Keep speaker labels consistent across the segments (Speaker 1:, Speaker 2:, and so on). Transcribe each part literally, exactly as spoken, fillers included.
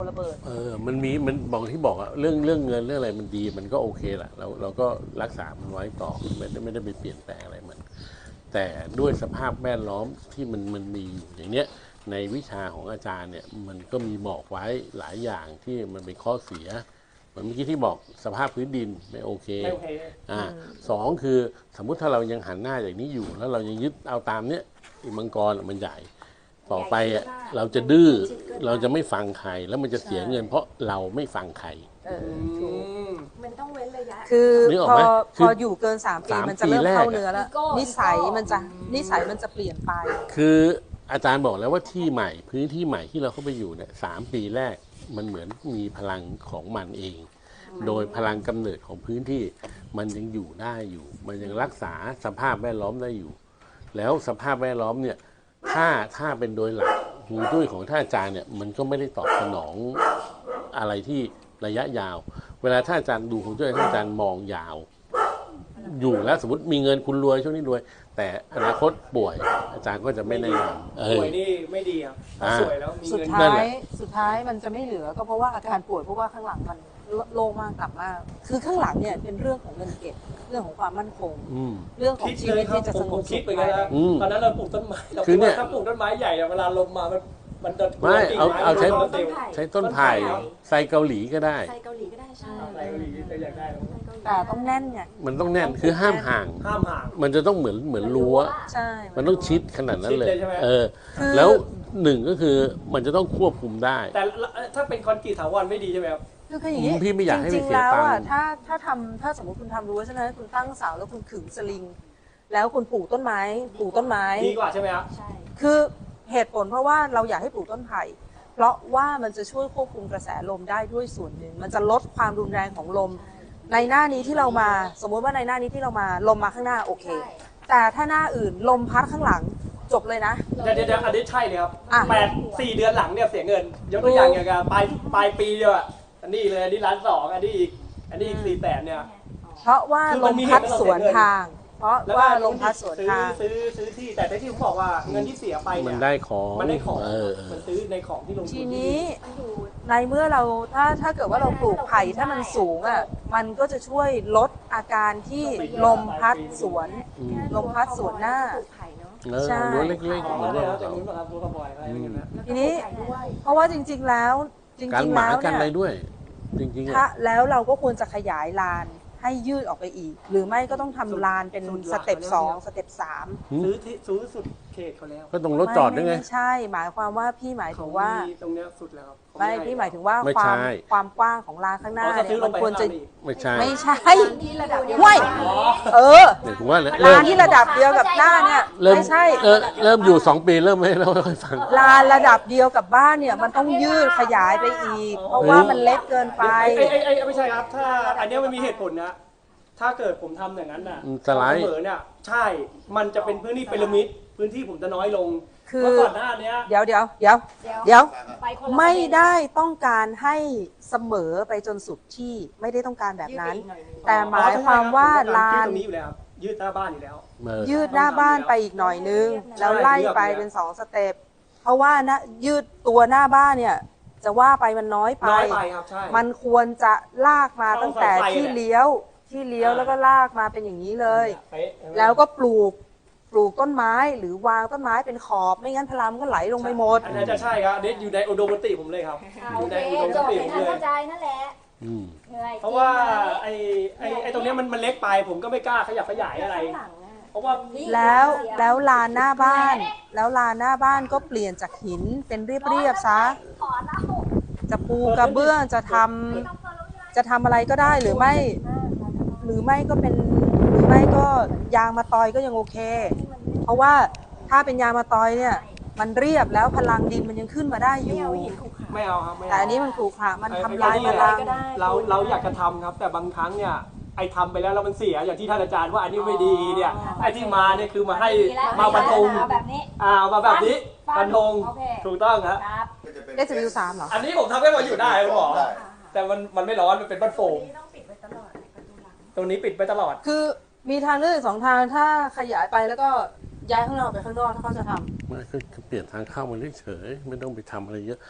Speaker 1: ระเบิด
Speaker 2: เออมันมีมันบอกที่บอกอะเรื่องเรื่องเงินเรื่องอะไรมันดีมันก็โอเคแหละเราเราก็รักษามันไว้ต่อไม่ได้ไม่ได้ไปเปลี่ยนแปลงอะไรมันแต่ด้วยสภาพแวดล้อมที่มันมันมีอย่างเนี้ยในวิชาของอาจารย์เนี่ยมันก็มีบอกไว้หลายอย่างที่มันเป็นข้อเสียเหมือนเมื่อกี้ที่บอกสภาพพื้นดินไม่โอเค
Speaker 3: ไม่โอเค
Speaker 2: อ่าสองคือสมมุติถ้าเรายังหันหน้าอย่างนี้อยู่แล้วเรายังยึดเอาตามเนี้ยอีมังกรมันใหญ่ต่อไปอ่ะเราจะดื้อเราจะไม่ฟังใครแล้วมันจะเสียเงินเพราะเราไม่ฟังใคร
Speaker 4: มันต้องเว้นระยะ
Speaker 1: คือพอพออยู่เกินสามปีมันจะเริ่มเข้าเนื้อแล้วนิสัยมันจะนิสัยมันจะเปลี่ยนไป
Speaker 2: คืออาจารย์บอกแล้วว่าที่ใหม่พื้นที่ใหม่ที่เราเข้าไปอยู่เนี่ยสามปีแรกมันเหมือนมีพลังของมันเอง โดยพลังกำเนิดของพื้นที่มันยังอยู่ได้อยู่มันยังรักษาสภาพแวดล้อมได้อยู่ แล้วสภาพแวดล้อมเนี่ยถ้าถ้าเป็นโดยหลักฮวงจุ้ยของท่านอาจารย์เนี่ยมันก็ไม่ได้ตอบสนองอะไรที่ระยะยาวเวลาท่านอาจารย์ดูฮวงจุ้ยท่านอาจารย์มองยาวอยู่แล้วสมมติมีเงินคุณรวยช่วงนี้รวยแต่อนาคตป่วยอาจารย์ก็จะไม่แนะนำ
Speaker 3: ป่วยนี่ไม่ดีครับสวยแล้วมี
Speaker 1: เงินสุดท้ายสุดท้ายมันจะไม่เหลือก็เพราะว่าอาการป่วยเพราะว่าข้างหลังมันโล่งมากต่ำมากคือข้างหลังเนี่ยเป็นเรื่องของเงินเก็บเรื่องของความมั่นคงเรื่องของชีวิตที่จะสงบสุข
Speaker 3: ไปแล้วตอนนั้นเราปลูกต้นไม้เราคิดว่าถ้าปลูกต้นไม้ใหญ่เวลาลมมามันมันจะ
Speaker 2: ไม่เอาเอาใช้ใช้ต้นไผ่ไซเกาหลีก็ได้
Speaker 4: ไซเกาหลีก็ได้ใช่
Speaker 3: ไซเกาหลีก็อยากได้
Speaker 1: แต่ต้องแน่นไง
Speaker 2: มันต้องแน่นคือห้ามห่าง
Speaker 3: ห้ามห่าง
Speaker 2: มันจะต้องเหมือนเหมือนรั้ว
Speaker 1: ใช่
Speaker 2: มันต้องชิดขนาดนั้นเลยเออแล้วหนึ่งก็คือมันจะต้องควบคุมได้
Speaker 3: แต่ถ้าเป็นคอนกรีตถาวรไม่ดีใช่ไหมครับ
Speaker 1: คืออย่างนี้
Speaker 2: พี่ไม่อยากให้
Speaker 1: จ
Speaker 2: ริ
Speaker 1: งๆแล้วอ่ะถ้าถ้าทำถ้าสมมติคุณทำรั้วใช่ไหมคุณตั้งเสาแล้วคุณขึงสลิงแล้วคุณปลูกต้นไม้ปลูกต้นไม้
Speaker 3: ดีกว่าใช่ไหมครับ
Speaker 4: ใช่
Speaker 1: คือเหตุผลเพราะว่าเราอยากให้ปลูกต้นไผ่เพราะว่ามันจะช่วยควบคุมกระแสลมได้ด้วยส่วนหนึ่งมันจะลดความรุนแรงของลมในหน้านี้ที่เรามาสมมติว่าในหน้านี้ที่เรามาลมมาข้างหน้าโอเคแต่ถ้าหน้าอื่นลมพัดข้างหลังจบเลยนะ
Speaker 3: เดี๋ยวเดี๋ยวอันนี้ใช่เลยครับแปดสี่เดือนหลังเนี่ยเสียเงินยกตัวอย่างอย่างปลายปลายปีเดียวอ่ะอันนี้เลยอันนี้ล้านสองอันนี้อีกอันนี้อีกสี่แสนเนี่ย
Speaker 1: เพราะว่าลมพัดสวนทางเพราะว่าลมพัดสวนทาง
Speaker 3: ซื้อซื้อที่แต่ที่ผมบอกว่าเงินที่เสียไปเนี่ย
Speaker 2: มันได้ของ
Speaker 3: มันได้ของมันซื้อในของที่ลงทุน
Speaker 1: ทีนี้ในเมื่อเราถ้าถ้าเกิดว่าเราปลูกไผ่ถ้ามันสูงอ่ะมันก็จะช่วยลดอาการที่ลมพัดสวนลมพัดสวนหน้า
Speaker 2: ใช่รั้วเล็กๆเหมือนเรา
Speaker 1: ทีนี้เพราะว่าจริงๆแล้วจริงๆแล้ว
Speaker 2: เนี่ยด้วยจริงๆ
Speaker 1: ถ้าแล้วเราก็ควรจะขยายลานให้ยืดออกไปอีกหรือไม่ก็ต้องทำลานเป็นสเต็ปสองสเต็ปสาม
Speaker 3: ซื้อที่ซื้อสุดเขตเขาแล้ว
Speaker 2: ก็ตรงรถจอดด้วยไง
Speaker 1: ไม่ใช่หมายความว่าพี่หมายถึงว่า
Speaker 3: ตรงเนี้ยสุดแล้ว
Speaker 1: ไม่พี่หมายถึงว่าความความกว้างของลานข้างหน้าเนี่ยมันควรจะ
Speaker 2: ไม่ใช่
Speaker 1: ไม่ใช่ว้ยเออลานที่ระดับเดียวกับหน้าเนี่ยไม่ใช่
Speaker 2: เริ่มอยู่สองปีเริ่มไม่เล่าให้ฟัง
Speaker 1: ลานระดับเดียวกับบ้านเนี่ยมันต้องยืดขยายไปอีกเพราะว่ามันเล็กเกินไป
Speaker 3: ไอ้ไอ้ไม่ใช่ครับถ้าอันนี้มันมีเหตุผลนะถ้าเกิดผมทำอย่างนั้นน่ะ
Speaker 2: สไลด์
Speaker 3: เสมอเนี่ยใช่มันจะเป็นพื้นที่พีระมิดพื้นที่ผมจะน้อยลง
Speaker 1: คือ
Speaker 3: ก่อนหน้านี้
Speaker 1: เดี๋ยวเดี๋ยวเดี๋ยวเดี๋ยวไม่ได้ต้องการให้เสมอไปจนสุดที่ไม่ได้ต้องการแบบนั้นแต่หมายความว่าลาน
Speaker 3: ตรงนี้อยู่แล้วยืดหน้าบ้านอยู่แล้ว
Speaker 1: ยืดหน้าบ้านไปอีกหน่อยนึงแล้วไล่ไปเป็นสองสเต็ปเพราะว่านะยืดตัวหน้าบ้านเนี่ยจะว่าไปมันน้อยไปมันควรจะลากมาตั้งแต่ที่เลี้ยวที่เลี้ยวแล้วก็ลากมาเป็นอย่างนี้เลยแล้วก็ปลูกปลูกต้นไม้หรือวางต้นไม้เป็นขอบไม่งั้นพลังก็ไหลลงไปหมด
Speaker 3: อันนั้นจะใช่ครับเด็ดอยู่ในอุดมคติผมเลยครับ
Speaker 4: อยู่ในอุดมคติผมเลยเข้าใจนั่นแหละ
Speaker 3: เพราะว่าไอ้ไอ้ไอ้ตรงนี้มันมันเล็กไปผมก็ไม่กล้าขยับขยายอะไรเพราะว่า
Speaker 1: แล้วแล้วลานหน้าบ้านแล้วลานหน้าบ้านก็เปลี่ยนจากหินเป็นเรียบๆซะจะปูกระเบื้องจะทำจะทำอะไรก็ได้หรือไม่หรือไม่ก็เป็นหรือไม่ก็ยางมาตอยก็ยังโอเคเพราะว่าถ้าเป็นยางมาตอยเนี่ยมันเรียบแล้วพลังดินมันยังขึ้นมาได้อยู่
Speaker 3: ไม่เอาครับ
Speaker 1: แต่อันนี้มันขรุขระมันทำลายพลัง
Speaker 3: เราเราอยากจะทำครับแต่บางครั้งเนี่ยไอ้ทำไปแล้วแล้วมันเสียอย่างที่ท่านอาจารย์ว่าอันนี้ไม่ดีเนี่ยไอ้ที่มาเนี่ยคือมาให้มาบรรทงอ่ามาแบบนี้บรรทงถูกต้องครับ
Speaker 1: เอสวิวสามเหรอ
Speaker 3: อันนี้ผมทำให้มันอยู่ได้ผมบอกแต่มันมันไม่ร้อนมันเป็นบ้านโฟมตรงนี้ปิดไปตลอด
Speaker 1: คือมีทางเลือกสองทางถ้าขยายไปแล้วก็ย้ายข้างนอกไปข้างนอกถ้าเขาจะทำ
Speaker 2: ไม่คือเปลี่ยนทางเข้ามาเฉยๆไม่ต้องไปทำอะไรเยอะ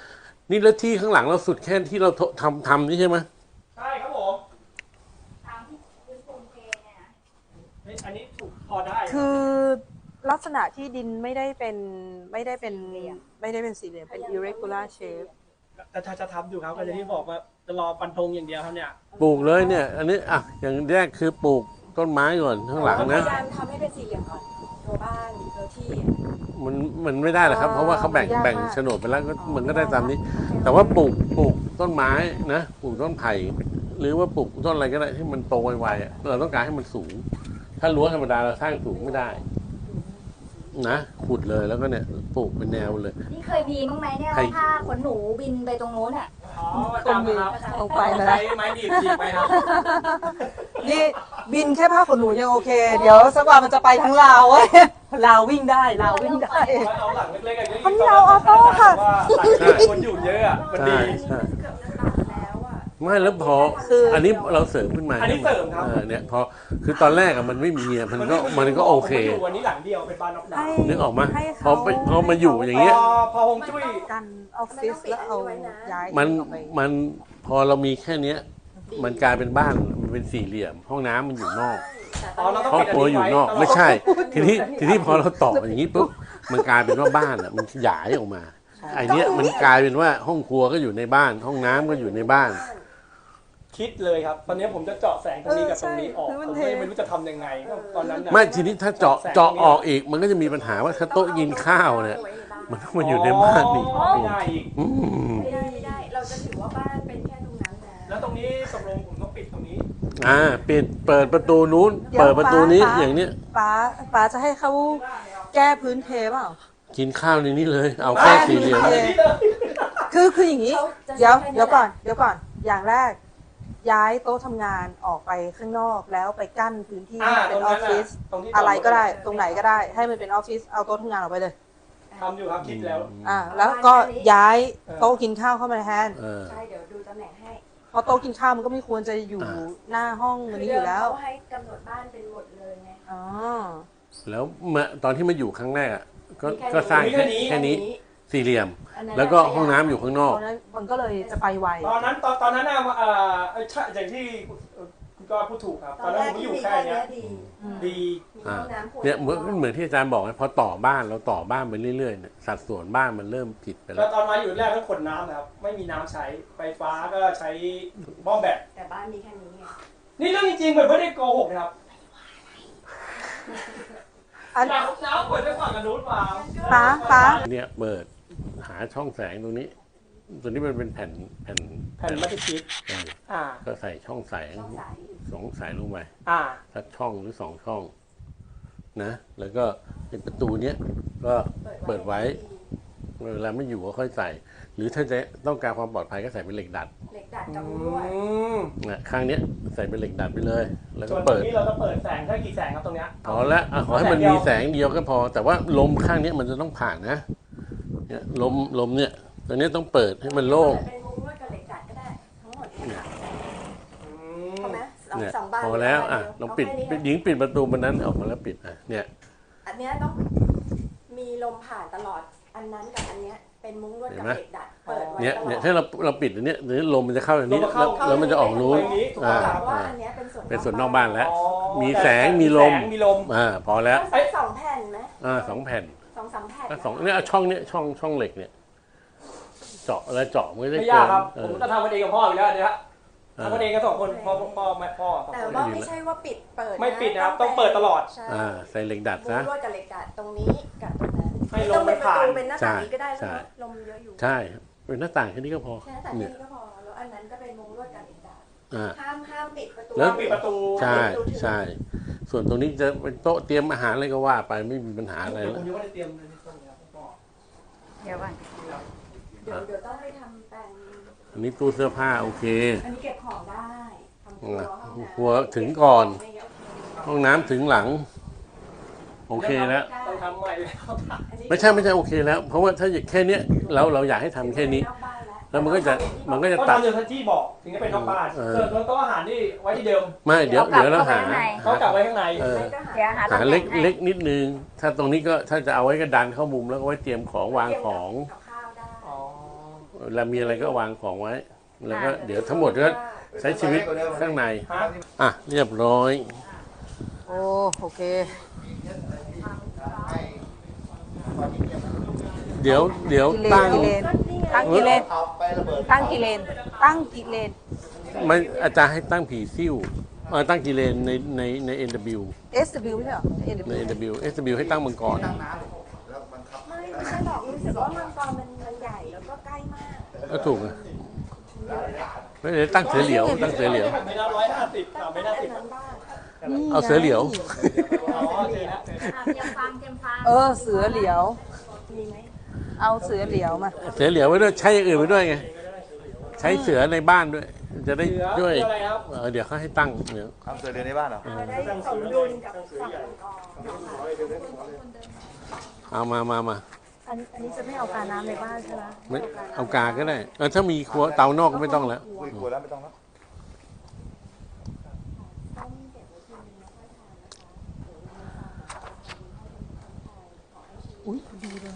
Speaker 2: นี่แล้วที่ข้างหลังเราสุดแค่ที่เราทำทำนี่ใช่ไหม
Speaker 3: ใช่ครับผม
Speaker 4: ทางที่พื้นปูนเทเนี่ยนะ
Speaker 3: เฮ้ยอันนี้ถูกพอได้
Speaker 1: คือลักษณะที่ดินไม่ได้เป็นไม่ได้เป็นไม่ได้เป็นสี่เหลี่ยมเป็น irregular shape
Speaker 3: แต่ถ้าจะทำอยู่ครับก็จะที่บอกว่าจะรอฟันธงอย่างเดียวครับเนี่ย
Speaker 2: ปลูกเลยเนี่ย อันนี้อ่ะอย่างแรกคือปลูกต้นไม้ก่อนข้างหลัง
Speaker 4: พ
Speaker 2: นะ
Speaker 4: ยายามทำให้เป็นสี่เหลี่ยมก่อนตัวบ้านตัวที่
Speaker 2: มันมันไม่ได้หรอกครับ เพราะว่าเขาแบ่ง
Speaker 1: ยากมาก
Speaker 2: แบ่งโฉนดไปแล้วก็มันก็ได้ตามนี้ แต่ว่าปลูกปลูกต้นไม้นะปลูกต้นไผ่หรือว่าปลูกต้นอะไรก็ได้ที่มันโตไวๆอะเราต้องการให้มันสูง ถ้ารั้วธรรมดาเราสร้างสูงไม่ได้นะขุดเลยแล้วก็เนี่ยปลูกเป็นแนวเลย
Speaker 4: นี่เคยมีมั้งไหมเนี่ย
Speaker 2: ใคร
Speaker 4: ว่าผ้าขนหนูบินไปตรงโน้นอ่ะ
Speaker 3: อ๋อประจำครับ
Speaker 1: ลงไปนะ
Speaker 3: ใช้ไม้ดีบจีบไปครับ
Speaker 1: นี่บินแค่ผ้าขนหนูยังโอเค เดี๋ยวสักวันมันจะไปทั้งลาวเว้ยลาววิ่งได้ลาววิ่งได้
Speaker 3: เอาหลังเล็กๆอย่างนี้
Speaker 1: อันนี้เราออโต้ค่ะ
Speaker 3: ว่าหลังที่คนอยู่เยอะอะมัน
Speaker 2: ใช่
Speaker 3: ดี
Speaker 2: ใช่
Speaker 4: เกือบจะตัดแล้วอ่ะ
Speaker 2: ไม่แล้วพอ
Speaker 1: คือ
Speaker 2: อันนี้เราเสริมขึ้นมา
Speaker 3: อันนี้เสริมครับ
Speaker 2: ออเนี่ยพอคือตอนแรกอะมันไม่มีอะมันก็มันก็โอเค
Speaker 3: ผมมาอยู่วันนี้หลังเดียวเป็นบ้านนอกดาวน์
Speaker 2: นึกออกมา
Speaker 1: ให้
Speaker 2: พอ
Speaker 1: เขา
Speaker 2: ไปพอมาอยู่อย่างเงี้ย
Speaker 3: พอพอฮงจุ้ย
Speaker 1: กันออฟฟิศแล้วเอาย้าย
Speaker 2: มัน
Speaker 1: ออกไป
Speaker 2: มันพอเรามีแค่เนี้ย มันกลายเป็นบ้านมันเป็นสี่เหลี่ยม ห้องน้ำมันอยู่นอก
Speaker 3: อ๋อเราต้อง
Speaker 2: ครอบ
Speaker 3: ปิด
Speaker 2: ครัวอยู่นอก
Speaker 3: ตลด
Speaker 2: ไม่ใช่ ทีนี้ทีนี้พอเราต่ออย่างนี้ปุ๊บมันกลายเป็นว่าบ้านอ่ะมันขยายออกมาไอเนี้ยมันกลายเป็นว่าห้องครัวก็อยู่ในบ้าน ห้องน้ำก็อยู่ในบ้าน
Speaker 3: คิดเลยครับ ตอนนี้ผมจะเจาะแสงตรงนี้กับตรงนี้ออก
Speaker 1: เออใช่
Speaker 3: ผมก็ยังไม่รู้จะทำยังไงก็ตอนนั้นน่ะ
Speaker 2: ไม่ทีนี้ถ้าเจาะเจาะออกอีก มันก็จะมีปัญหาว่าถ้าโต๊ะกินข้าวเนี่ยมันต้องมาอยู่ในบ้านอีก
Speaker 3: อ๋อไม่ได้อีก
Speaker 2: อืม
Speaker 4: ไม่ได้ไม่ได้ เราจะถือว่าบ้านเป็นแค่ตรงนั้นนะ
Speaker 3: แล้วตรงนี้ตกลงผมต้องปิดตรงนี้
Speaker 2: อ่าปิดเปิดประตูนู้น เปิดประตูนี้อย่างเนี้ย
Speaker 1: ป้าป้าจะให้เขาแก้พื้นเทเปล่า
Speaker 2: กินข้าวในนี้เลย เอาแค่สี่เหลี่ยม
Speaker 1: เออ คือคืออย่างนี้ เดี๋ยวเดี๋ยวก่อนเดี๋ยวก่อนอย่างแรก ย้ายโต๊ะทำงานออกไปข้างนอกแล้วไปกั้นพื้นที่
Speaker 3: อ่า
Speaker 1: ให้เป็นออฟฟิศ
Speaker 3: ตรงที่
Speaker 1: อะไรก็ได้ตรงไหนก็ได้ ให้มันเป็นออฟฟิศเอาโต๊ะทำงานออกไปเลย
Speaker 3: ทำอยู่ครับคิดแล้ว
Speaker 1: อ่าแล้วก็ย้ายโต๊ะกินข้าวเข้ามาแทน
Speaker 2: เออ
Speaker 4: ใช่ เดี๋ยวดูตำแหน่งให้
Speaker 1: เพราะโต๊ะกินข้าวมันก็ไม่ควรจะอยู่
Speaker 2: อ่า
Speaker 1: หน้าห้องอันนี้อยู่แล้ว
Speaker 4: เขาให้กำหนดบ้านเป็นหมดเลยไง
Speaker 1: อ๋อ
Speaker 2: แล้วเมื่อตอนที่มาอยู่ครั้งแรกอ่ะก็
Speaker 4: มีแค่
Speaker 2: ก็สร้าง
Speaker 3: มีแค่นี้
Speaker 2: แค่นี้สี่เหลี่ยม
Speaker 4: อันนั้น
Speaker 2: แล้วก็ห้องน้ำอยู่ข้างนอก
Speaker 1: เพราะฉะนั้นมันก็เลยจะไปไว
Speaker 3: ตอนนั้นตอนตอนนั้นน่ะเอ่อเอ่อใช่อย่างที่คุณก็พูดถูกครับ
Speaker 4: ต
Speaker 3: ต
Speaker 4: อ
Speaker 3: อน น
Speaker 4: แร
Speaker 3: นั้นผม
Speaker 4: กที่
Speaker 3: อยู่
Speaker 4: มี
Speaker 3: แค่
Speaker 4: แค่
Speaker 3: เนี้
Speaker 4: เนี้
Speaker 3: ย
Speaker 4: ยดี
Speaker 3: ดี
Speaker 4: มีห้องน้ำขวด
Speaker 2: เนี่ยเหมือนเหมือนที่อาจารย์บอกไงพอต่อบ้านเราต่อบ้านไปเรื่อยๆเนี่ยสัดส่วนบ้านมันเริ่มผิดไป
Speaker 3: แล้
Speaker 2: แล้ว ว
Speaker 3: ตอนมาอยู่แรกต้องขนน้ำนะครับ ไม่มีน้ำใช้ ไฟฟ้าก็ใช้หม้อแบต
Speaker 4: แต่บ้านมีแค่นี้ไง
Speaker 3: นี่เรื่องจริงๆเหมือนไม่ได้โกหกนะครับ
Speaker 1: อัน
Speaker 3: น้ำน้ำเปิดได้ฝั่งกันนู้นมา
Speaker 1: ป้าป้า
Speaker 2: เนี่ยเปิดหาช่องแสงตรงนี้ ตัวนี้มันเป็นแผ่นแผ่น
Speaker 3: แผ่นมัตติชีต
Speaker 2: เออ
Speaker 3: อ่า
Speaker 2: ก็ใส่ช่องแสง
Speaker 4: ช่องใส
Speaker 2: สองสายลงไป
Speaker 3: อ่า
Speaker 2: สักช่องหรือสองช่องนะ แล้วก็เป็นประตูเนี้ยก็เปิดไว้เวลาไม่อยู่ก็ค่อยใส่ หรือถ้าจะต้องการความปลอดภัยก็ใส่เป็นเหล็กดัด
Speaker 4: เหล็กดัด
Speaker 3: อื
Speaker 4: กับรั้ว
Speaker 3: ม
Speaker 2: นะข้างเนี้ยใส่เป็นเหล็กดัดไปเลย แล้ว
Speaker 3: ส่
Speaker 2: ก็
Speaker 3: วนตรง
Speaker 2: เปิด
Speaker 3: นี้เราจะเปิดแสงแค่กี่แสงครับตรงเนี้ย
Speaker 2: พอแล้วอ่ะขอให้มันมีแสงเดียวก็พอ แต่ว่าลมข้างเนี้ยมันจะต้องผ่านนะเนี่ยลมลมเนี่ยตัวเนี้ยต้องเปิดให้มันโล่ง
Speaker 4: เป็นมุ้งลวดกับเหล็กดัดก็ได้ ทั้งหมดเนี่ยค่ะ
Speaker 3: อื
Speaker 4: พอ
Speaker 3: ม
Speaker 4: ไหมสอง
Speaker 2: เนี่ย
Speaker 4: สองบาน
Speaker 2: พอแล้วอ่ะลองปิด
Speaker 4: าแค่นี้
Speaker 2: ปิดหญิงปิดประตูมันนั้นออกมาแล้วปิดอ่ะเนี่ย
Speaker 4: อันเนี้ยต้องมีลมผ่านตลอด อันนั้นกับอันเนี้ยเป็นมุ้งลวดกับเหล็กดัด เปิดไว้
Speaker 2: เนี่ย
Speaker 4: ตลอ
Speaker 2: เนี่ย
Speaker 4: ด
Speaker 2: ถ้าเราเราปิดอันเนี้ยเดี๋ยวลมมันจะเข้าอย่างนี้
Speaker 3: ลม
Speaker 2: แล้ว
Speaker 3: เข้า
Speaker 2: แล้วมันจะออกนู้น
Speaker 3: ไปนี้ถูก
Speaker 2: อ่า
Speaker 3: ต้อง
Speaker 4: ว่า
Speaker 2: อ่า
Speaker 4: อันเนี้ยเป็นส่วน
Speaker 2: เป็นส่วนนอกบ้านแล้ว
Speaker 3: อ๋อ
Speaker 2: มีแสงมีลม
Speaker 3: แสงมีลม
Speaker 2: อ่าพอแล้ว
Speaker 4: ต้องใช้สองแผ่นไหม
Speaker 2: อ่าสองแผ่น
Speaker 4: สองสามแผ่น
Speaker 2: ก็สองเนี่ยเอาช่องเนี้ยช่องช่องเหล็กเนี่ย เจาะแล้วเจาะมันก็ได้
Speaker 3: ไม่
Speaker 2: เกิ
Speaker 3: ยาก
Speaker 2: น
Speaker 3: ครับ
Speaker 2: เอ
Speaker 3: ผม
Speaker 2: อ
Speaker 3: จะทำกันเองกับพ่ออยู่แล้วเนี่ยฮะ
Speaker 2: เออ
Speaker 3: ทำกันเองกันสองคนพ่อพ่อแม่พ่อสอง
Speaker 4: แต่
Speaker 3: คน
Speaker 4: ว่าไม่ใช่ว่าปิดเปิดนะ
Speaker 3: ไม่ปิดนะครับต้องเปิดตลอด
Speaker 4: ใช่
Speaker 2: อ่าใส่เหล็กดัด
Speaker 4: มุ้
Speaker 2: ซะ
Speaker 4: งลวดกับเหล็กดัดตรงนี้กับตรงนั้น
Speaker 3: ให้ล
Speaker 4: ต้อ
Speaker 3: ม
Speaker 4: ง
Speaker 3: มั
Speaker 4: เป็น นประ
Speaker 3: ผ่าน
Speaker 4: ตูเป็นหน้าต่างนี้ก็ได้
Speaker 2: ใช่
Speaker 4: แล้วลมเยอะอยู่
Speaker 2: ใช่เป็นหน้าต่างแค่นี้ก็พอ
Speaker 4: แค่หน้าต่าง
Speaker 2: เนี่
Speaker 4: นี้
Speaker 2: ย
Speaker 4: ก็พอแล้วอันนั้นก็เป็นมุ้งลวดกับเหล็กดัด
Speaker 2: อ่า
Speaker 4: ห้ามห้ามปิดประตู
Speaker 2: แล้ว
Speaker 3: ปิดประตู
Speaker 2: ใช่ใช่ ส่วนตรงนี้จะเป็นโต๊ะเตรียมอาหารอะไรก็ว่าไปไม่มีปัญหาอะไร
Speaker 3: เดี๋ยว
Speaker 2: แล้
Speaker 3: ผ
Speaker 2: ว
Speaker 3: มยังไม่ได้เตรียมเลยในตรงนี้ครับพ่อ
Speaker 4: เดี๋ยวก่อนเดี๋ยวเดี๋ยวต้องไปทำแปลง
Speaker 2: อันนี้ตู้เสื้อผ้าโอเค
Speaker 4: อันนี้เก็บของได้ทำครัวห้องน้ำ
Speaker 2: ครัวถึงก่อน
Speaker 4: ไม่เยอะ
Speaker 2: ห้องน้ำถึงหลัง โอเคแล้ว
Speaker 3: ต้องทำใหม่แล้ว
Speaker 4: อันนี้
Speaker 2: ไม่ใช่ไม่ใช่โอเคแล้ว เพราะว่าถ้าแค่เนี้ยเราเราอยากให้ทำแค่นี้
Speaker 4: นอกบ้านแล้ว
Speaker 2: แล้วมันก็จะมันก็จะ
Speaker 3: ก็
Speaker 2: ตัด
Speaker 3: ทำอย่างที่บอกถึงจะเป็นนอกบ้าน
Speaker 2: เออ
Speaker 3: ส่วนโต๊ะอาหารนี่ไว้ที่เดิม
Speaker 2: ไม่เดี๋ยวเดี๋ยวเราหา
Speaker 3: เขากลับไว้ข้างใน
Speaker 2: เออ
Speaker 4: ไม่ก็หา
Speaker 5: เดี๋ยวหา
Speaker 2: หาเล็กเล็กนิดนึง ถ้าตรงนี้ก็ถ้าจะเอาไว้ก็ดันเข้ามุมแล้วก็ไว้เตรียมของวางของ
Speaker 4: กับข้าวได้
Speaker 3: อ๋อ
Speaker 2: เรามีอะไรก็วางของไว้ แล้วก็เดี๋ยวทั้งหมดก็ใช้ชีวิตข้างในอ่ะเรียบร้อย
Speaker 1: โอ้โอเค
Speaker 2: เดี๋ยวเดี๋ยว
Speaker 1: กิเล
Speaker 2: ตั้
Speaker 1: น
Speaker 2: ง
Speaker 1: กิเลนตั้งกิเลนตั้งกิเลนตั้งกิเลน
Speaker 2: ไม่อาจารย์ให้ตั้งผีซิ่วเออตั้งกิเลนในในใน เอ็น ดับเบิลยู
Speaker 1: เอส ดับเบิลยู ไม่ใช่เหรอ เอ็น ดับ
Speaker 2: ใน
Speaker 1: เบิลยู
Speaker 2: เอ็น ดับเบิลยู เอส ดับเบิลยู ให้ตั้งมังกร
Speaker 4: ไม่ไม่ใช่หรอกรู้สึกว่ามังกรมันมันใหญ่แล้วก็ใกล้มาก
Speaker 2: ก็ถูกนะไม่ได้ตั้งเสือเหลียว ตั้งเสือเหลียว
Speaker 3: ไม่น่าร้อยห้าสิบอ่ะไม่น่า
Speaker 4: อั
Speaker 3: สิ
Speaker 4: น
Speaker 3: บ
Speaker 4: นั้นบ้าง
Speaker 2: เอาเสือเหลียว
Speaker 3: อ๋อเจอแล้ว
Speaker 5: เตรียมฟังเตรียมฟัง
Speaker 1: เออ เสือเหลียว
Speaker 4: มีไหม
Speaker 1: เอาเสือเหลียวมา
Speaker 2: เสือเหลียวไว้ด้วยใช้อย่างอื่นไว้ด้วยไง ใช้เสือในบ้านด้วย จะได้
Speaker 3: เสือ
Speaker 2: ด้วย
Speaker 3: อะไรครับ
Speaker 2: เออเดี๋ยวเขาให้ตั้งเดี๋ยว
Speaker 6: ทำเสือเดือนในบ้านเหรอ
Speaker 4: จะได้สมดุลกับฝั่งมังกร
Speaker 2: เอามามามา
Speaker 1: อันอันนี้จะไม่เอาการน้ำในบ้านใช่ไหม
Speaker 2: ไม่เอากาก็ได้เออถ้ามีครัวเตานอกก็ไม่ต้องแล้ว
Speaker 6: คุยกลัวแล้วไม่ต้องแล้ว
Speaker 1: อุ้ยดีเลย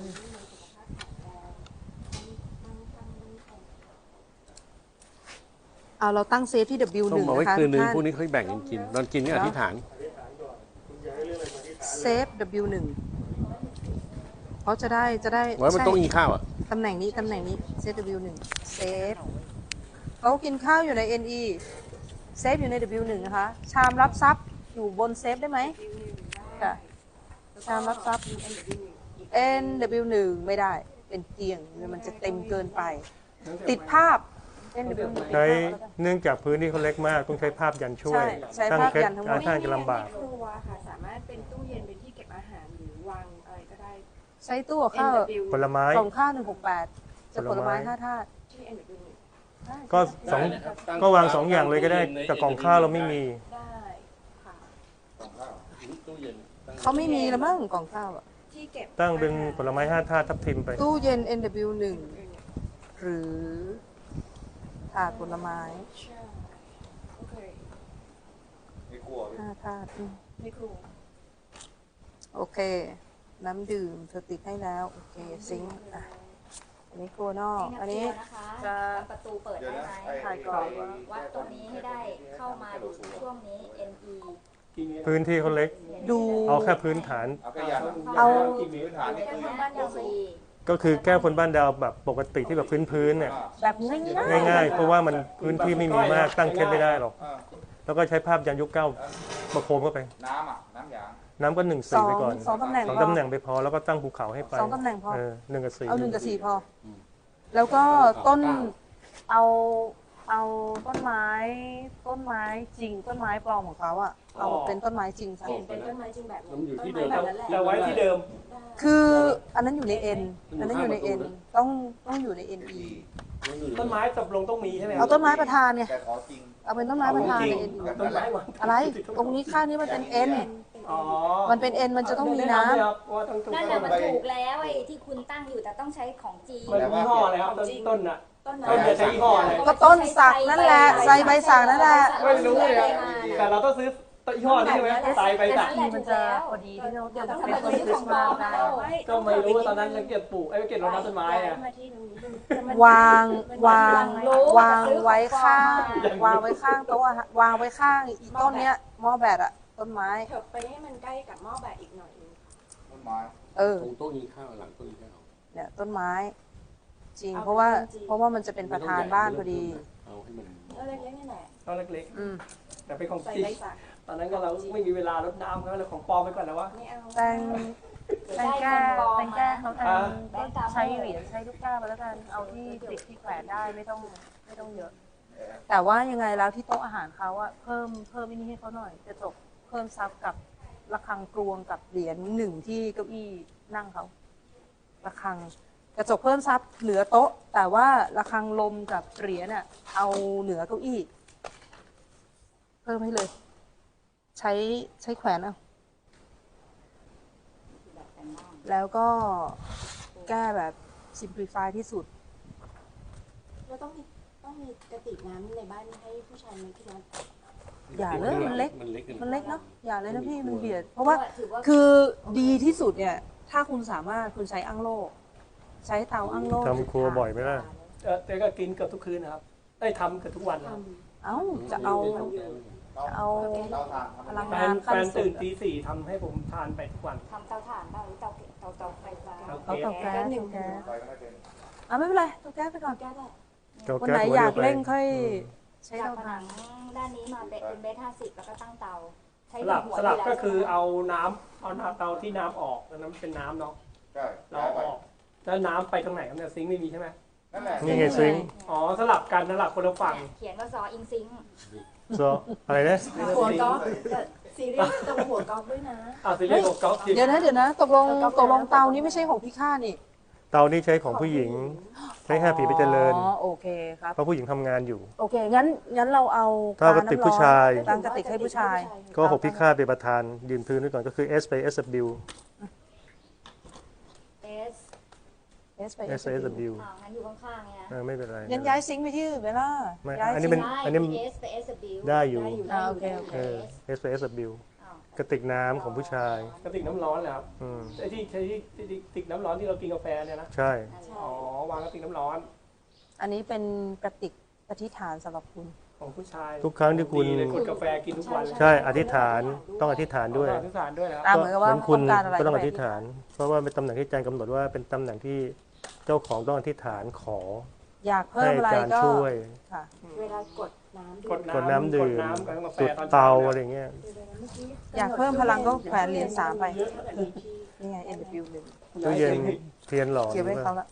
Speaker 1: เอาเราตั้งเซฟที่ ดับเบิลยู ห
Speaker 2: ต้ม
Speaker 1: นึ่ง
Speaker 2: เอาไว้
Speaker 1: นะคะ
Speaker 2: คืนนึง
Speaker 1: ท่าน
Speaker 2: พวกนี้ค่อยแบ่งกันกิน ตอนกินก็อธิษฐาน
Speaker 1: เซฟ ดับเบิลยู หนึ่ง เพราะจะได้จะได้
Speaker 2: ไว้มัน
Speaker 1: ใช่
Speaker 2: ต้องกินข้าวอ่ะ
Speaker 1: ตำแหน่งนี้ ตำแหน่งนี้ เซฟ ดับเบิลยู หนึ่ง เซฟเขากินข้าวอยู่ใน เอ็น อี เซฟอยู่ใน ดับเบิลยู หนึ่ง นะคะ ชามรับทรัพย์อยู่บนเซฟได้ไหมค่ะ ชามรับทรัพย์ เอ็น ดับเบิลยู หนึ่ง ไม่ได้ เป็นเตียง มันจะเต็มเกินไป ติดภาพ เอ็น ดับเบิลยู หนึ่ง
Speaker 7: ใช้เนื่องจากพื้นที่เขาเล็กมากต้องใช้ภาพยันช่วย
Speaker 1: ใช่ใช้
Speaker 7: ตั้ง
Speaker 1: ภาพ
Speaker 7: เคล็ด
Speaker 1: ยันทั้งหมด
Speaker 7: ท่านจะลำบาก
Speaker 4: ครัวค่ะสามารถเป็นตู้เย็นเป็นที่เก็บอาหารหรือวางอะไรก็ได้
Speaker 1: ใช้ตู้กับข้าว
Speaker 4: เอ็น ดับเบิลยู
Speaker 7: ผลไม้
Speaker 1: กล่องข้าวหนึ่งหกแปดจะผลไม้ห้าธาตุ
Speaker 4: ที่ เอ็น ดับเบิลยู
Speaker 7: ก็สองก็วางสองอย่างเลยก็ได้แต่กล่องข้าวเราไม่มี
Speaker 4: ได้ค่ะ
Speaker 1: เขาไม่มีแล้วมั้งกล่องข้าวอะ
Speaker 4: ที่เก็บ
Speaker 7: ตั้งเป็นผลไม้ห้าธาตุทับทิมไป
Speaker 1: ตู้เย็น เอ็น ดับเบิลยู หนึ่ง หรือถาดผลไม้
Speaker 4: ใช่โอเค
Speaker 6: ไม่กลัวพี่
Speaker 1: ห้าธาตุอืม
Speaker 4: ไม่ครัว
Speaker 1: โอเค น้ำดื่มเธอติดให้แล้ว โอเค ซิงค์อ่ะอันนี้โกนอก อันนี้
Speaker 5: นะคะ
Speaker 1: จะ
Speaker 5: ประตูเปิด
Speaker 6: เดี๋ยว
Speaker 5: ได้
Speaker 6: นะ
Speaker 5: ไหม
Speaker 6: ไอ้
Speaker 1: ถ่ายก่อน
Speaker 5: วัดตรงนี้ให้ได้เข้ามาดูช่วงนี้ เอ็น อี
Speaker 7: พื้นที่เขาเล็ก
Speaker 1: ดู
Speaker 7: เอาแค่พื้นฐาน
Speaker 6: เอาก็ยัน
Speaker 1: เอา
Speaker 6: พื้นฐานนี่คือ
Speaker 5: บ้านยังสี่
Speaker 7: ก็คือแก้คนบ้านดาวแบบปกติที่แบบพื้นพื้นๆเนี่ย
Speaker 1: แบบง่ายๆ
Speaker 7: ง่ายๆ เพราะว่ามันพื้นที่ไม่มีมากตั้งเคล็ดไม่ได้หรอก
Speaker 6: อ่า
Speaker 7: แล้วก็ใช้ภาพยันยุคเก้าประโคมเข้าไป
Speaker 6: น้ำอ่ะ น้ำยาง
Speaker 7: น้ำก็หนึ่ง
Speaker 1: ส
Speaker 7: สี่
Speaker 1: อง
Speaker 7: ไปก่อน
Speaker 1: สองตำแหน่ง
Speaker 7: สอง
Speaker 1: พอ
Speaker 7: ตำแหน่งไปพอแล้วก็ตั้งภูเขาให้ไป
Speaker 1: สองตำแหน่งพอ
Speaker 7: เออหนึ่งกับสี่
Speaker 1: เอาหนึ่งกับสี่พอ แล้วก็ต้น เอา เอาต้นไม้ ต้นไม้จริง ต้นไม้ปลอมของเขาอะเอาเป็นต้นไม้จริงซะ
Speaker 4: เห็นเป็นต้นไม้จริงแบบ
Speaker 2: มันอยู่ที่เดิม
Speaker 4: ต้นไม้แบบนั้นแหละ
Speaker 3: แต่ไว้ที่เดิม
Speaker 1: คืออันนั้นอยู่ใน N อันนั้นอยู่ใน N ต้องต้องอยู่ใน เอ็น อี
Speaker 3: ต้นไม้ตกลงต้องมีใช่ไหมครั
Speaker 1: เอาต้นไม้ประธานไง
Speaker 6: แต่ขอจริง
Speaker 1: เอาเป็นต้นไม้ประธานใน เอ็น อี
Speaker 3: ต้นไม้วาง
Speaker 1: อะไร ตรงนี้ข้างนี้มันเป็น N
Speaker 3: อ๋อ
Speaker 1: มันเป็น N มันจะต้องมีน้ำ
Speaker 3: แครับว่าต้องถูก
Speaker 5: นั่น
Speaker 3: ต้
Speaker 5: น่ะ
Speaker 3: น
Speaker 5: มันถูกแล้วไอ้ที่คุณตั้งอยู่แต่ต้องใช้ของจริง
Speaker 3: มันยี่ห้ออะไรครับต้นต้นน่ะ
Speaker 4: ต้นไม้
Speaker 3: ต้นจะใช้ยี่ห้ออะไร
Speaker 1: ก็ต้นสักนั่นแหละใส่ใบสักนั่นแหละ
Speaker 3: ไม่รู้เลยอะแต่เราต้องซื้อต้นยี่ห้อนี้ใช่ไหมตายไปตัด
Speaker 1: ทีมันจะพอดีที่เรา
Speaker 4: เดี๋ยวต้อง
Speaker 1: เป็น
Speaker 4: ทำ
Speaker 1: ต้น
Speaker 4: ซื้อ
Speaker 1: คริ
Speaker 4: ขอ
Speaker 1: ส
Speaker 4: ง
Speaker 1: ต์
Speaker 4: ปล
Speaker 1: มา
Speaker 4: อ
Speaker 1: ส
Speaker 4: ม
Speaker 1: ได้
Speaker 3: ก็ไม่รู้ว่าตอนนั้นเราเก็บปลูกไอ้ยเก็บรดน้ำต้นไม้อะ
Speaker 4: มาที่ตรงนี้
Speaker 1: วางวางวางไว้ข้าง วางไว้ข้างโต๊ะอะฮะวางไว้ข้างอีต้นเนี้ยหม้อแบตอะต้นไม้
Speaker 4: เถิบไปให้มันใกล้กับหม้อแบบอีกหน่อยนึง
Speaker 6: ต้นไม้
Speaker 1: เออ
Speaker 2: ตรงโต๊ะกินข้าวหลังโต๊ะกินข้าว
Speaker 1: เนี่ยต้นไม้ จริง เพราะว่าเพราะว่ามันจะเป็นประธานบ้านพอดี
Speaker 2: เอาให้มัน
Speaker 4: ก็เล็กๆนี่แหละ
Speaker 3: ต้นเล็ก
Speaker 1: อืม
Speaker 3: ๆแต่เป็นของ
Speaker 4: ใส่
Speaker 3: จริง
Speaker 4: ใบสัก
Speaker 3: ตอนนั้นก็เราไม่มีเวลารดน้ำก็เลยของปลอมไปก่อนแล้ววะ
Speaker 4: ไม่เอา
Speaker 1: แตงแตงแก้แตงแก้เขาแตงก็ใช้เหรียญใช้ลูกก้าไปแล้วกันเอาที่ติดที่แขวนได้ไม่ต้องไม่ต้องเยอะ แต่ว่ายังไงแล้วที่โต๊ะอาหารเขาอะเพิ่มเพิ่มไอ้นี่ให้เขาหน่อยกระจกเพิ่มซับกับระฆังกรวงกับเหรียญหนึ่งที่เก้าอี้นั่งเขาระฆังกระจกเพิ่มซับเหนือโต๊ะ แต่ว่าระฆังลมกับเหรียญอะเอาเหนือเก้าอี้ เพิ่มให้เลย ใช้ใช้แขวนเอาแล้วก็แก้แบบ simplify ที่สุด
Speaker 4: เราต้องมีต้องมีกระติกน้ำในบ้านให้ผู้ชายไหมที่นั้น
Speaker 1: อย่าเลยมันเล็ก
Speaker 2: มันเล็กกิ
Speaker 1: มันเล็กเนาะอย่าเลยนะพี่มันเบียด เพราะว่า
Speaker 5: ถือว่า
Speaker 1: คือดีที่สุดเนี่ย ถ้าคุณสามารถคุณใช้อั้งโล่ใช้เตาอั้งโล่
Speaker 7: ทำครัวบ่อยไหมล่ะ
Speaker 3: เออแต่ก็กินเกือบทุกคืนนะครับได้ทำเกือบทุกวันนะครับ
Speaker 1: เอ้าจะเอา
Speaker 6: เรา
Speaker 1: เอา
Speaker 6: เราทานทำ
Speaker 1: พลัง
Speaker 3: แฟ
Speaker 1: งาน
Speaker 3: น
Speaker 1: ขั้
Speaker 3: แฟ
Speaker 1: น
Speaker 3: น
Speaker 1: สุ
Speaker 3: ตื่
Speaker 1: ด
Speaker 3: นตีสี่ทำให้ผมทานไปทุกวัน
Speaker 5: ทำเตาถ่านบ้างหรือเตาเตาเตาไฟฟ้า
Speaker 3: โอ
Speaker 1: เอา
Speaker 3: เค
Speaker 1: เตาแก๊ส
Speaker 4: หนึ่ง
Speaker 1: เตาแก๊ส
Speaker 6: ไปก็ไม่เป็น
Speaker 1: อ่ะไม่เป็นไรเตาแก๊สไปก่อน
Speaker 4: แก้ได้
Speaker 7: เตา
Speaker 1: วัน
Speaker 7: แก๊ส
Speaker 1: ไหน
Speaker 7: หัว
Speaker 1: อยา
Speaker 7: เดี
Speaker 1: ก
Speaker 7: วไป
Speaker 1: เร่งค่อยใช้
Speaker 5: จาก
Speaker 1: เตา
Speaker 5: ผ
Speaker 1: ถ่า
Speaker 5: นั
Speaker 1: น
Speaker 5: งด้านนี้มาเป็นเป็นเบสห้าสิบแล้วก็ตั้งเตา ใช้
Speaker 3: สลับ
Speaker 5: หัว
Speaker 3: สลับ
Speaker 5: ดีแว
Speaker 3: ก็คือ
Speaker 5: ใช่ไหม
Speaker 3: เอาน้ำเอาน้ำเตาที่น้ำออกแล้วน้ำเป็นน้ำเนาะ
Speaker 6: ใช่
Speaker 3: เราเอาออกแล้วน้ำไปตรงไหนครับเนี่ยซิงค์ไม่มีใช่ไหม
Speaker 6: นั่นแหละ
Speaker 7: นี่ไงซิงค์
Speaker 3: อ๋อสลับกันสลับคนละฝั่ง
Speaker 5: เขียนว่าซออิงซิง
Speaker 7: โซอะไรนะ
Speaker 4: หัวก๊อฟซีรีส์ตรงหัวก๊อฟด้วยนะ
Speaker 3: อ่าซีรีส์ของก๊อฟ
Speaker 1: เดี๋ยวนะเดี๋ยวนะตกลงตกลงเตานี้ไม่ใช่ของพี่ข้านี่
Speaker 7: เตานี้ใช้ของผู้หญิง ใช้ห้าผีไปเจริญ
Speaker 1: อ๋อโอเคครับ
Speaker 7: เพราะผู้หญิงทำงานอยู่
Speaker 1: โอเค งั้นงั้นเราเอา
Speaker 7: ถ้ากระติกผู้ชาย
Speaker 1: ตั้งกระติกให้ผู้ชาย
Speaker 7: ก็หกพิฆาตเป็นประธานยืนพื้นไว้ก่อนก็คือ S ไป S W
Speaker 5: เอส
Speaker 1: S ไป
Speaker 7: S ไป S W
Speaker 5: อ่างั้นอยู่ข้างๆเนี่ย
Speaker 7: เออไม่เป็นไร
Speaker 1: งั้นย้ายซิงค์ไปที่อื่นไปล่ะ
Speaker 7: ไม่
Speaker 1: ย้าย
Speaker 7: อันนี้
Speaker 1: ซิ
Speaker 7: เป็
Speaker 1: ง
Speaker 7: น
Speaker 1: ค์
Speaker 5: ได้
Speaker 7: อันนี้
Speaker 5: เอสไปเอสบิว
Speaker 7: ได้อยู่
Speaker 1: อ่าโอเคโอเค
Speaker 7: เออ S ไป S W
Speaker 5: อ้าว
Speaker 7: กระติกน้ำของผู้ชาย
Speaker 3: กระติกน้ำร้อนเหรอครับ
Speaker 7: อืม
Speaker 3: ไอ้ที่ใช้ที่ที่ที่กระติกน้ำร้อนที่เรากินกาแฟเนี่ยนะ
Speaker 7: ใช่
Speaker 3: อ๋อวางกระติกน้ำร้อน
Speaker 1: อันนี้เป็นกระติกอธิษฐานสำหรับคุณ
Speaker 3: ของผู้ชาย
Speaker 7: ทุกครั้งที่คุณ
Speaker 3: ดีเลยกดกาแฟกินทุกวันเลย
Speaker 7: ใช่อธิษฐานต้องอธิษฐานด้วย
Speaker 3: อธิษฐานด้วยนะครับ
Speaker 1: อ่ะเหมือนกับว่า
Speaker 7: คุณ
Speaker 1: ต้องการอะไร
Speaker 7: ก็ต้องอ
Speaker 1: ไป
Speaker 7: ธิษฐาน เพราะว่าเป็นตำแหน่งที่อาจารย์กำหนดว่าเป็นตำแหน่งที่เจ้าของต้องอธิษฐานขอ
Speaker 1: อยาก
Speaker 7: ให้
Speaker 1: เพิ่ม
Speaker 7: อา
Speaker 1: อะไร
Speaker 7: จารย์
Speaker 1: ก็
Speaker 7: ช่วย
Speaker 1: ค่ะ
Speaker 4: เวลากดน้ำ
Speaker 3: กด
Speaker 7: กดน้ำดื่ม
Speaker 3: กดน้ำกับกาแฟ
Speaker 7: จุด
Speaker 3: ตอน
Speaker 7: เตา
Speaker 3: ช้
Speaker 7: อะไร
Speaker 3: นี่ย
Speaker 7: เงี้ย
Speaker 1: อยากเพิ่มพลังก็แขวนเหรียญสามไป นี่ไง N W หนึ่ง
Speaker 7: ตู้เย็นเทียนหลอด
Speaker 1: เก็บไว้เขาละ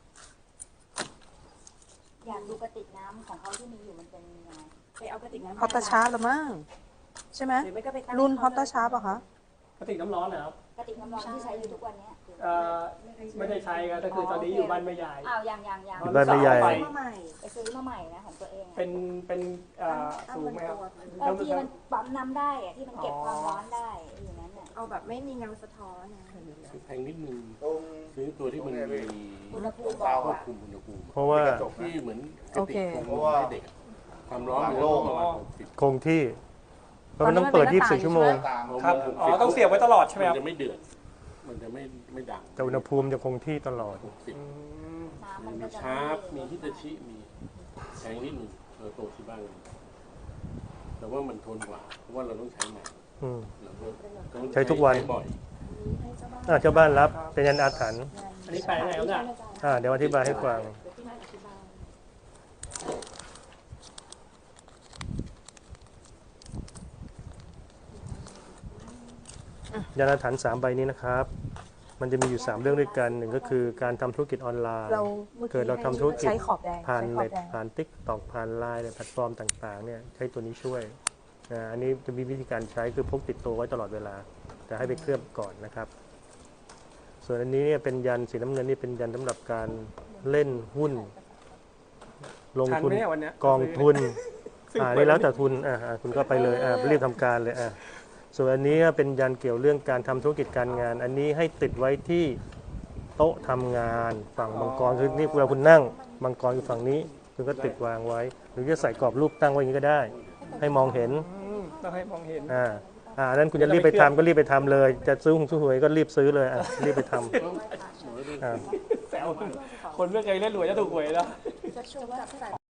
Speaker 5: อยากดูกระติกน้ำของเขาที่มีอยู่มันเป็นยังไง
Speaker 4: ไปเอากระติกน้ำ
Speaker 1: ฮอตตาชาร์จหรือมั้งใช่ไหม
Speaker 4: หรือไม่ก็ไปตั้ง
Speaker 1: รุ่นฮอตตาชาร์จป่ะคะ
Speaker 3: กระติกน้ำร้อนนะครับ
Speaker 5: กระติกน้ำร้อนที่ใช้อยู่ทุกวันเนี้ย
Speaker 3: เอ่อไม่ได้ใช้ครับก็คือตอนนี้อยู่บ้านแม่ยาย
Speaker 5: อ้าวยังยังยัง
Speaker 7: บ้านไม่ใหญ่
Speaker 3: ไป
Speaker 4: มาใหม่
Speaker 5: ไปซื้อมาใหม่นะของตัวเองอะ
Speaker 3: เป็นเป็นเอ่อสูงไหมครับ
Speaker 5: เออที่มันปั๊มน้ำได้อะที่มันเก็บความร้อนได้อยู่นั้นน่ะ
Speaker 4: เอาแบบไม่มีเงาสะท้อนนะ
Speaker 2: แพงนิดนึง
Speaker 6: ตรง
Speaker 2: ซื้อตัวที่มันมี
Speaker 5: อุณหภูมิบ
Speaker 2: คว
Speaker 5: อก
Speaker 2: บ
Speaker 5: อะ
Speaker 2: คุมอุณหภูมิ
Speaker 7: เพราะว่า
Speaker 2: ที่เหมือนก
Speaker 1: โอ
Speaker 2: ระติ
Speaker 1: เค
Speaker 2: กของให้เด็กอะความร้อนมันต้องประมาณหกสิบ
Speaker 7: คงที่เพราะมันต้องเปิด
Speaker 1: ตอนนี้มันเป็น
Speaker 7: ยี่สิบสี่ ชั่วโมง
Speaker 6: ตาม
Speaker 3: ครับอ๋อต้องเสียบไว้ตลอดใช่ไหม
Speaker 2: มั
Speaker 3: คน รับ
Speaker 2: จะไม่เดือด มันจะไม่ไม่ดัง
Speaker 7: แต่อุณหภูมิจะคงที่ตลอด
Speaker 2: หกสิบ
Speaker 3: อืม
Speaker 5: น้ำมัน
Speaker 2: มี
Speaker 5: ก็จะ
Speaker 2: ชาร์ปมีฮิตาชิ มีแพงนิดนึงเออโตที่บ้านแต่ว่ามันทนกว่า เพราะว่าเราต้องใช้นาน
Speaker 7: อืม
Speaker 2: เราก็ต้อง
Speaker 7: ใช้ทุกวัน
Speaker 2: ใช้บ่อย
Speaker 7: อ่ะเจ้าบ้านรับเป็นยันอาถรรพ์
Speaker 3: อันนี้แปลงไงครับเนี่ย
Speaker 7: อ่ะเดี๋ยวอธิบายให้ฟัง ยานาฐานสามใบนี้นะครับ มันจะมีอยู่ สาม เรื่องด้วยกันหนึ่งก็คือการทำธุรกิจออนไลน์
Speaker 1: เรามื่อ
Speaker 7: เกิดเราทำธุรกิจ
Speaker 1: ใช้ขอบแดง
Speaker 7: ผ่าน
Speaker 1: ใช้ขอ
Speaker 7: เน็
Speaker 1: บ
Speaker 7: ต
Speaker 1: แดง
Speaker 7: ผ่านติ๊กตอกผ่านไลน์ในแพลตฟอร์มต่างๆเนี่ยใช้ตัวนี้ช่วยนะอันนี้จะมีวิธีการใช้คือพกติดตัวไว้ตลอดเวลา แต่ให้ไปเคลือบก่อนนะครับ ส่วนอันนี้เนี่ยเป็นยันสีน้ำเงินนี่เป็นยันสำหรับการเล่นหุ้น ลง
Speaker 3: ทัน
Speaker 7: ทุน
Speaker 3: ไหมเนี่ยวันเนี้ย
Speaker 7: กองทุนอ่านี่แล้วแต่ทุนอ่าอ่าคุณก็ไปเลยอ่ารีบทำการเลยอ่าส่วนอันนี้เป็นยันเกี่ยวเรื่องการทำธุรกิจการงาน อันนี้ให้ติดไว้ที่โต๊ะทำงานฝั่งมังกรคือนี่เวลาคุณนั่งมังกรอยู่ฝั่งนี้คุณก็ติดวางไว้ หรือจะใส่กรอบรูปตั้งไว้อย่างนี้ก็ได้ ให้มองเห็น
Speaker 3: อืมต้องให้มองเห็น
Speaker 7: อ่าอ่าอันนั้นคุณจะรีบไปทำก็รีบไปทำเลย จะซื้อหงซื้อหวยก็รีบซื้อเลยอ่ะรีบไปทำอ่า
Speaker 3: แซวคนไม่เคยเล่นหวยจะถูกหวยแล้ว
Speaker 4: จะชมว่า